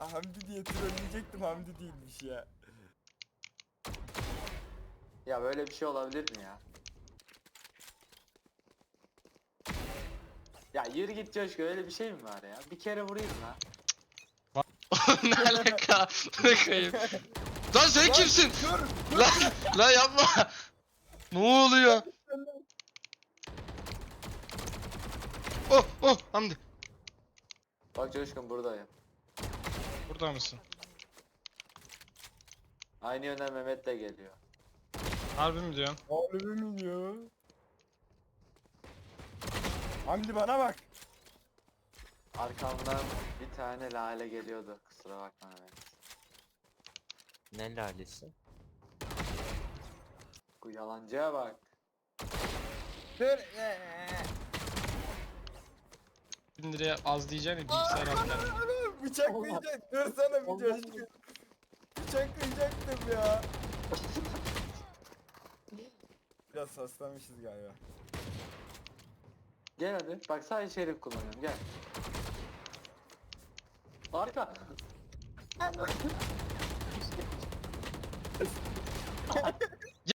Hamdi diye trolleyecektim, Hamdi değilmiş ya. Ya böyle bir şey olabilir mi ya? Ya yürü git Coşku, öyle bir şey mi var ya? Bir kere vurayım lan. Ne alaka? Ne koyayım? Lan sen Lan, kimsin? Dur. Lan yapma. Ne oluyor? Oh Hamdi. Bak Coşkun, buradayım. Burada mısın? Aynı yönden Mehmet de geliyor. Harbi mi diyorsun? Harbi mi diyor? Hamdi bana bak. Arkamdan bir tane Lale geliyordu. Kusura bakma Mehmet. Ne lalesi? Bu yalancıya bak. Dur. 1000 liraya az diyeceksin ya bilgisayar alacağım. Bıçaklayacak. Dur sana bir coşku. Bıçaklayacaktım ya. Biraz hastamışız galiba. Gel hadi. Bak sadece şerif kullanıyorum. Gel. Arka.